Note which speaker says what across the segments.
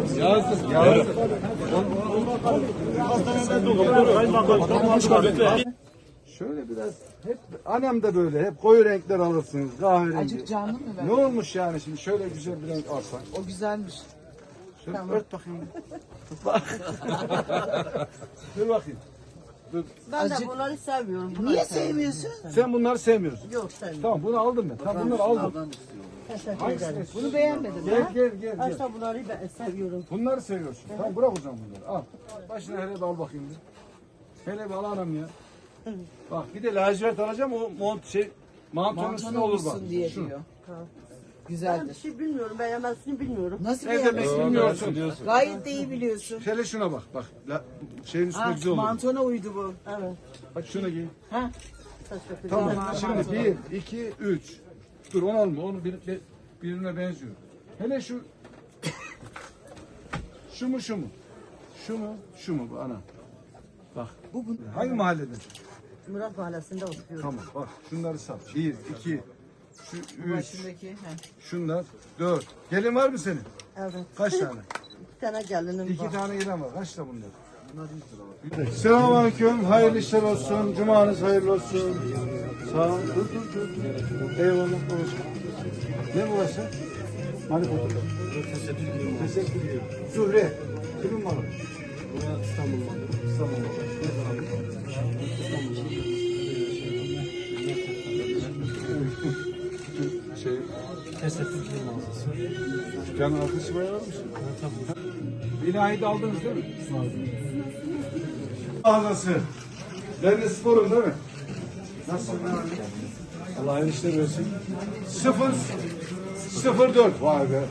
Speaker 1: Yazdık. Şöyle biraz hep annem de böyle hep koyu renkler alırsınız kahverengi.
Speaker 2: Azıcık canlı mı ben?
Speaker 1: Ne olmuş yani şimdi şöyle güzel bir renk alsak.
Speaker 2: O güzelmiş.
Speaker 1: Şöyle
Speaker 2: Tamam.
Speaker 1: ört bakayım. Bak. Dur bakayım. Dur.
Speaker 3: Ben de
Speaker 2: Azıcık-
Speaker 3: bunları seviyorum. Bunları
Speaker 2: Niye
Speaker 3: seviyorum.
Speaker 2: sevmiyorsun?
Speaker 1: Sen bunları sevmiyorsun.
Speaker 3: Yok sevmiyorum.
Speaker 1: Tamam bunu aldım ben. Tamam bunları aldım.
Speaker 3: Teşekkür
Speaker 1: Hangisini?
Speaker 3: ederim.
Speaker 2: Bunu beğenmedim.
Speaker 1: Gel gel gel. gel.
Speaker 3: Başta bunları ben seviyorum.
Speaker 1: Bunları seviyorsun. Tamam bırak o zaman bunları. Al. Başına hele bir al bakayım bir. Hele bir al anam ya. Bak bir de lacivert alacağım o mantonun üstüne
Speaker 2: Mantona
Speaker 1: olur bak.
Speaker 2: olsun diye
Speaker 1: Şu.
Speaker 2: diyor.
Speaker 3: Ben bir
Speaker 2: Güzeldir.
Speaker 3: şey bilmiyorum. Beğenmezsini bilmiyorum.
Speaker 2: Nasıl
Speaker 1: Ne demek
Speaker 2: beğenmesin?
Speaker 1: bilmiyorsun.
Speaker 2: Gayet de iyi biliyorsun.
Speaker 1: Hele şuna bak. Bak şeyin üstüne
Speaker 2: Ha,
Speaker 1: güzel olur.
Speaker 2: mantona uydu bu.
Speaker 3: Evet.
Speaker 1: Bak şunu giy.
Speaker 2: Ha?
Speaker 3: Teşekkür
Speaker 1: Tamam.
Speaker 3: ederim.
Speaker 1: Şimdi 1, 2, 3. Dur onu alma. Onu birbirine benziyor. Hele şu şu mu şu mu? Şu mu? Şu mu bu ana? Bak.
Speaker 2: Bu
Speaker 1: Hangi mahallede?
Speaker 3: Murat Mahallesi'nde oturuyorum.
Speaker 1: Tamam bak şunları sat. 1, 2, şu 3,
Speaker 2: başındaki. Ha.
Speaker 1: şunlar 4. Gelin var mı senin?
Speaker 3: Evet.
Speaker 1: Kaç tane?
Speaker 3: 2 tane gelinim
Speaker 1: 2
Speaker 3: var.
Speaker 1: tane gelen var. Kaç da bunlar? Selamünaleyküm. Hayırlı işler olsun. Cumanız hayırlı olsun. Sağ ol. Dur. Eyvallah babacığım. Ne burası? Hani fotoğraf? Teşekkür ederim. Zühre. Kimin malı? İstanbul malı. İstanbul malı. Şey,
Speaker 4: Tesettür mağazası.
Speaker 1: dükkanın arkası bayağı varmış.
Speaker 4: Tabii.
Speaker 1: İlahi de aldınız değil mi? Mağazası. Ben de sporum değil mi? Nasılsın? Allah hayırlı işler versin. 004. Vay be.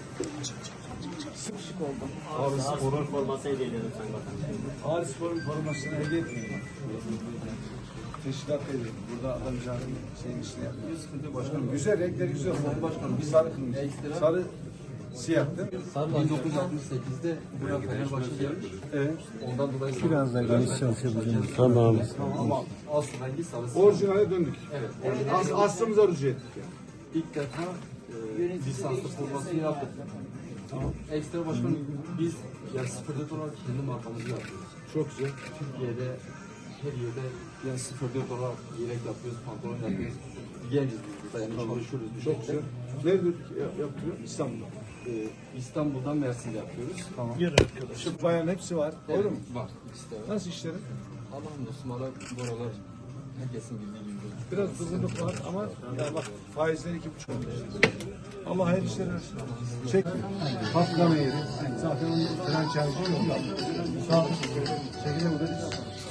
Speaker 4: Abi sporun forması hediye ederim sen bakalım.
Speaker 1: Ağrı Spor'un formasını hediye etmiyorum. Teşkilat ediyorum. Burada adamcağın şeyin işini yapmıyor. Sıkıntı başkanım. Güzel, renkleri güzel. Başkanım. Bir sarı kırmızı. Sarı siyah değil mi?
Speaker 5: 1968'de buraya Fenerbahçe gelmiş.
Speaker 1: Evet.
Speaker 5: Ondan dolayı
Speaker 4: Biraz daha geniş çalışabiliriz.
Speaker 5: tamam. Ama asıl rengi sarısı.
Speaker 1: Orijinale döndük.
Speaker 5: Evet.
Speaker 1: Aslımıza rücu ettik yani.
Speaker 5: İlk defa lisanslı forması yaptık. Ekstra başkanım biz yani 04 olarak kendi markamızı yapıyoruz.
Speaker 1: Çok güzel.
Speaker 5: Türkiye'de her yerde yani 04 olarak yelek yapıyoruz, pantolon yapıyoruz. Genciz biz burada yani çalışıyoruz. bir
Speaker 1: Çok
Speaker 5: şekilde.
Speaker 1: güzel. Nerede yaptırıyor? İstanbul'da.
Speaker 5: İstanbul'dan Mersin'de yapıyoruz.
Speaker 1: Tamam. Şu bayan hepsi var.
Speaker 5: Evet,
Speaker 1: Doğru mu?
Speaker 5: var. İkisi de var.
Speaker 1: Nasıl işleri?
Speaker 5: Allah'ım dostum hala bu aralar herkesin bildiği gibi.
Speaker 1: Biraz kızılık var ama ya bak faizler 2,5. Allah hayırlı işler versin. Çek. Patlama yeri. Zaten onun franchise yok. Sağ ol. Çekile bu da.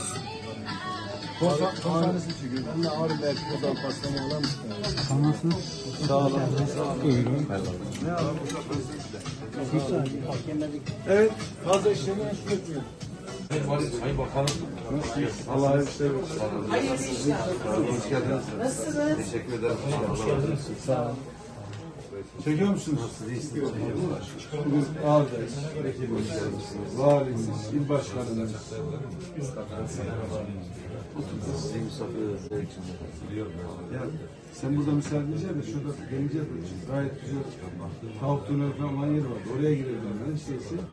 Speaker 1: Konsanesi çekiyor. Onunla ağrı belki kozan patlama olan mı? Sağ olun. Buyurun. Ne alalım? Evet. Fazla işlemeye su etmiyor.
Speaker 5: Sayın Bakanım.
Speaker 1: Allah hayırlı işler versin.
Speaker 2: Hayırlı işler.
Speaker 5: Hoş geldiniz.
Speaker 2: Nasılsınız?
Speaker 5: Teşekkür ederim.
Speaker 1: Sağ olun. Çekiyor musunuz? Bugün ağırdayız. Valimiz, il başkanımız.
Speaker 5: Sizi misafir ederek biliyorum.
Speaker 1: Ya, sen burada misafir edeceksin de şurada gelince gayet güzel tavuk döner falan yer var. Oraya girelim. İşte